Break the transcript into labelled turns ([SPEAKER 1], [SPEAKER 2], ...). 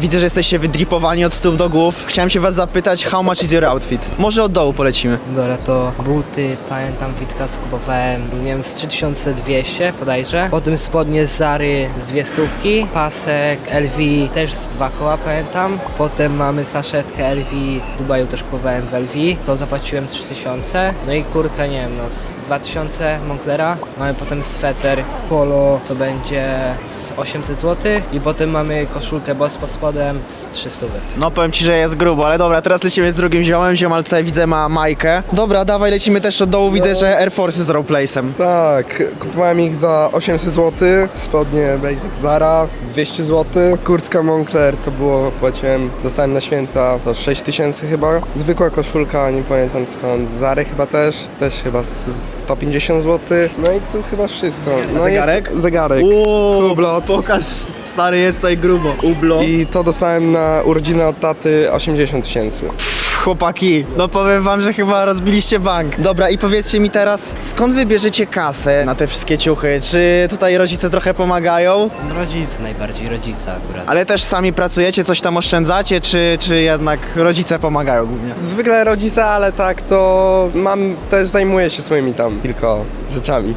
[SPEAKER 1] widzę, że jesteście wydripowani od stóp do głów. Chciałem się was zapytać, how much is your outfit? Może od dołu polecimy.
[SPEAKER 2] Dobra, to buty, pamiętam, Witka skupowałem, nie wiem, z 3200 bodajże. Potem spodnie z Zary z 200, pasek LV też z 2 koła, pamiętam. Potem mamy saszetkę LV, w Dubaju też kupowałem w LV, to zapłaciłem 3000. No i kurtka, nie wiem, no z 2000 Monclera. Mamy potem sweter polo, to będzie z 800 zł. I potem mamy koszulkę Boss pod spodem z 300.
[SPEAKER 1] No powiem ci, że jest grubo, ale dobra, teraz lecimy z drugim ziomem. Ziomal tutaj widzę ma Majkę. Dobra, dawaj, lecimy też od dołu. Widzę, że Air Force z roleplace'em.
[SPEAKER 3] Tak, kupowałem ich za 800 zł, spodnie Basic Zara z 200 zł, kurtka Moncler to było, płaciłem, dostałem na święta to 6000 chyba, zwykła koszulka, nie pamiętam skąd, Zary chyba też chyba z 150 zł, no i tu chyba wszystko. No
[SPEAKER 1] zegarek?
[SPEAKER 3] Jest zegarek, Hublot.
[SPEAKER 1] Pokaż, stary, jest tutaj grubo. Hublot.
[SPEAKER 3] I to dostałem na urodziny od taty 80 000.
[SPEAKER 1] Chłopaki, no powiem wam, że chyba rozbiliście bank. Dobra, i powiedzcie mi teraz, skąd wy bierzecie kasę na te wszystkie ciuchy? Czy tutaj rodzice trochę pomagają?
[SPEAKER 2] Rodzice, najbardziej rodzice akurat.
[SPEAKER 1] Ale też sami pracujecie, coś tam oszczędzacie, czy jednak rodzice pomagają głównie?
[SPEAKER 3] Zwykle rodzice, ale tak to też zajmuję się swoimi tam tylko rzeczami.